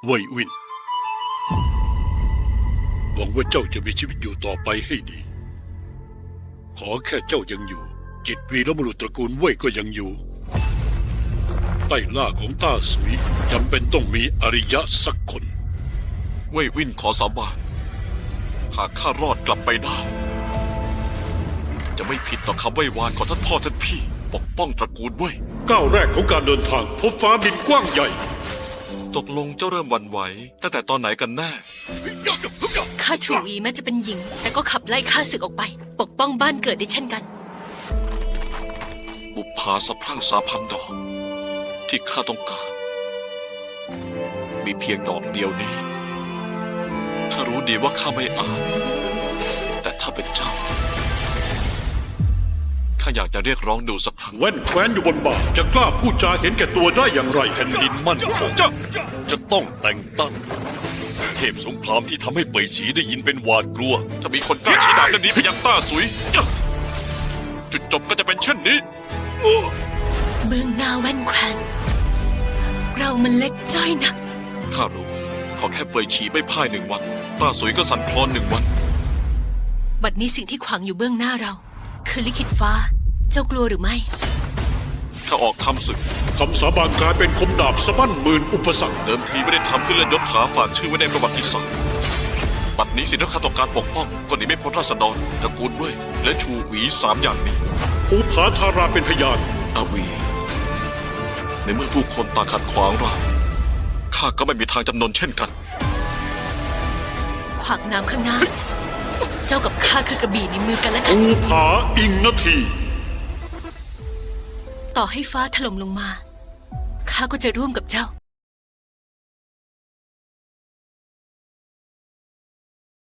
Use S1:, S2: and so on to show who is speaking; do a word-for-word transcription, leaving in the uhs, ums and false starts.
S1: เว่ยวินหวังว่าเจ้าจะมีชีวิตอยู่ต่อไปให้ดีขอแค่เจ้ายังอยู่จิตวีรบุรุษตระกูลเว่ยก็ยังอยู่ใต้ล่าของต้าสุยจำเป็นต้องมีอริยะสักคน
S2: เว่ยวินขอสาบานหากข้ารอดกลับไปได้จะไม่ผิดต่อคำไหว้วานของท่านพ่อท่านพี่ปกป้องตระกูลเว่ย
S1: ก้าวแรกของการเดินทางพบฟ้าดินกว้างใหญ่
S2: ตกลงเจ้าเริ่มหวั่นไหวตั้งแต่ตอนไหนกันแน่
S3: ข้าชูวีแม้จะเป็นหญิงแต่ก็ขับไล่ข้าศึกออกไปปกป้องบ้านเกิดได้เช่นกัน
S2: บุปผาสะพรั่งสาพันดอกที่ข้าต้องการมีเพียงดอกเดียวนี้ข้ารู้ดีว่าข้าไม่อาจแต่ถ้าเป็นเจ้าข้าอยากจะเรียกร้องดูสักครั้ง
S1: แว่นแคว้นอยู่บนบ่าจะกล้าพูดจาเห็นแก่ตัวได้อย่างไร
S2: แผ่นดินมั่นคงจะต้องแต่งตั้งเทพสงครามที่ทำให้เป่ยฉีได้ยินเป็นหวาดกลัวถ้ามีคนกล้าชี้ดาบเรื่องนี้ไปยังต้าสุยจุดจบก็จะเป็นเช่นนี้
S3: เมืองนาแว่นแคว้นเรามันเล็กจ้อยนัก
S2: ข้ารู้ขอแค่เป่ยฉีไม่พ่ายหนึ่งวันต้าสุยก็สั่นคลอนหนึ่งวัน
S3: บัดนี้สิ่งที่ขวางอยู่เบื้องหน้าเราคือลิขิตฟ้าเจ้ากลัวหรือไม่
S2: ข้าออกทำศึก
S1: คำสาบานกลายเป็นคมดาบสะบั้นหมื่นอุปสรรค
S2: เดิมทีไม่ได้ทำเพื่อเลื่อนยศถาฝากชื่อไว้ในประวัติศาสตร์บัดนี้สิ่งที่ข้าต้องการปกป้องก็หนีไม่พ้นราษฎรตระกูลเว่ยและชูหวีสามอย่างนี้
S1: ภูผาทาราเป็นพยาน
S2: อาวีในเมื่อผู้คนต่างขัดขวางเราข้าก็ไม่มีทางจำนนเช่นกัน
S3: ขวางน้ำข้างหน้าเจ้ากับข้าคือกระบี่ในมือกันและกัน
S1: ภูผาอิงนาที
S3: ต่อให้ฟ้าถล่มลงมาข้าก็จะร่วมกับเจ้า